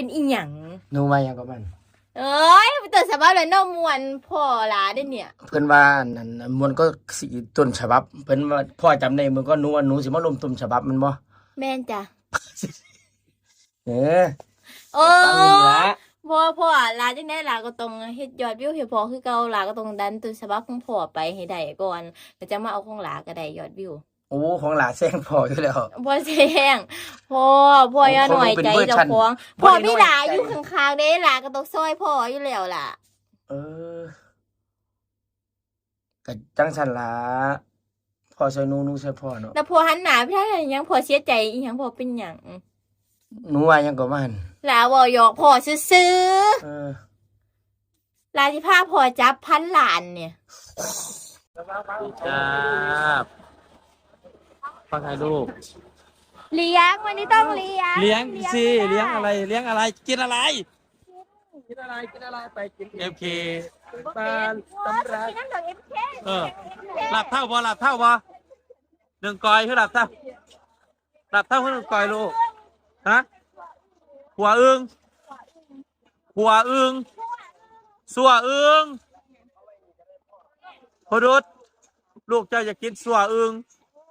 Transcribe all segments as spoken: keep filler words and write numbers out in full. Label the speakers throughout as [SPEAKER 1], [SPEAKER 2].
[SPEAKER 1] เป็นอีหยัง
[SPEAKER 2] หนูมาอย่างกับมัน
[SPEAKER 1] เอ้ยไปตัวฉบับเลยน้องมวนพ่อหลาได้เนี่ย
[SPEAKER 2] เพิ่นว่านั่นมวนก็สิต้นฉบับเพิ่นว่าพ่อจำได้มึงก็หนูว่าหนูสิมาลมต้นฉบับมันบ่
[SPEAKER 1] แม่นจ้ะ
[SPEAKER 2] เออ
[SPEAKER 1] โอ้พ่อพ่อหลาจังได๋หลาก็ต้องเฮ็ดยอดวิวให้พ่อคือเก่าหลาก็ต้องดันต้นฉบับของพ่อไปให้ได้ก่อนแล้วจะมาเอาของหลาก็ได้ยอดวิว
[SPEAKER 2] โอ้ของหลาแซงพ่ออยู่แล้ว
[SPEAKER 1] บ่แซงพ่อพ่ออย่าหน่อยใจเจ้าของพ่อมีหลาอยู่ข้างๆเด้หลาก็ต้องซอยพ่ออยู่แล้วล่ะ
[SPEAKER 2] เออก็จังซั่นล่ะพ่อใส่หนูหนูใส่พ่อเนาะ
[SPEAKER 1] แล้วพ่อหันหน้าไปทางไหนยังพ่อเสียใจอีหยังพ่อเป็นหยัง
[SPEAKER 2] หนูว่าหยังก็มัน
[SPEAKER 1] หลาบ่หยอกพ่อซื่อๆ
[SPEAKER 2] เออ
[SPEAKER 1] หลาสิพาพ่อจับพันล้านเนี่ย
[SPEAKER 3] จ้าฟังให้ลูก
[SPEAKER 1] เลี้ยงวันนี้ต้องเลี้ยง
[SPEAKER 3] เลี้ยงสิเลี้ยงอะไรเลี้ยงอะไรกินอะไรกินอะไรกินอะไรไปกินเอฟเคบ้านตำราเออหลับเท่าบ่หลับเท่าบ่หนึ่งกอยคือหลับเท่าหลับเท่าคือหนึ่งกอยลูกฮะหัวอึ้งหัวอึ้งสัวอึ้งพอดุดลูกเจ้าอยากกินสัวอึ้ง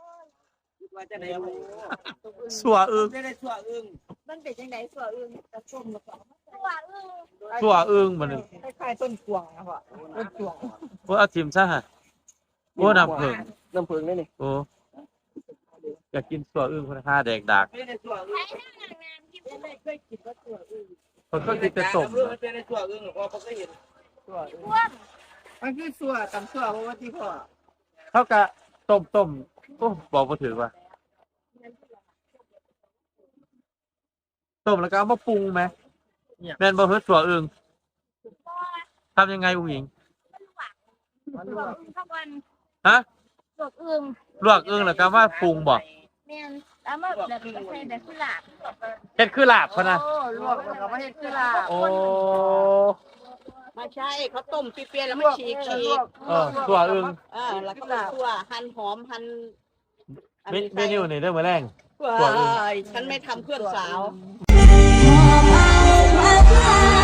[SPEAKER 3] สัวอึ้ง
[SPEAKER 1] มันเป็นจังได๋สัวอึ้งกระส้มแล้วก็สัวอึ้ง
[SPEAKER 3] สัวอึ้งมัน
[SPEAKER 4] คล้ายๆต้นกวางนะพ่อต้นกวาง
[SPEAKER 3] โอ้เอาทิมซะฮะโอ้น้ำผึ้ง
[SPEAKER 4] น้ำผึ้งนี่นี่
[SPEAKER 3] โอ้อยากกินสัวอึ้งคุณค่าแดกดัก
[SPEAKER 4] ไม่ได้สัวอึ้งไม่เคยกินว่าสัวอึ้ง
[SPEAKER 3] คนก็กินแต่ต้ม
[SPEAKER 4] มันเป็นสัวอึ้งหรอพ่อเคยเห็นสัวอึ้งมันคือสัวตำสัวเพราะว่าที่พ่อ
[SPEAKER 3] เท่ากับต้มต้มโอ้บอกมาถือว่าต้มแล้วก็เอามาปรุงไหมแม่นบ่เฮ็ดสัวอึ้งทำยังไงอุ้งหญิงฮะ
[SPEAKER 1] ลวกอึ้ง
[SPEAKER 3] ลวกอึ้งแล้วก็มาปรุงบ่
[SPEAKER 1] แม่นแล้วมาแบบใส่แบบคือลาบ
[SPEAKER 3] เฮ็ดคือลาบพุ่นน่ะ
[SPEAKER 4] โอ้ลวกแล้วก็มาเฮ็ดคือลาบ
[SPEAKER 3] โอ้
[SPEAKER 4] ไม่ใช่เขาต้มเปรี้ยวๆแล้วมาฉีกฉีก
[SPEAKER 3] เออสัวอึ้ง
[SPEAKER 4] เออแล้วก็สัวหั่นหอมหั่น
[SPEAKER 3] เมนูนี่เด้อมื้อแรง
[SPEAKER 4] สัวอึ้งฉันไม่ทำเพื่อนสาว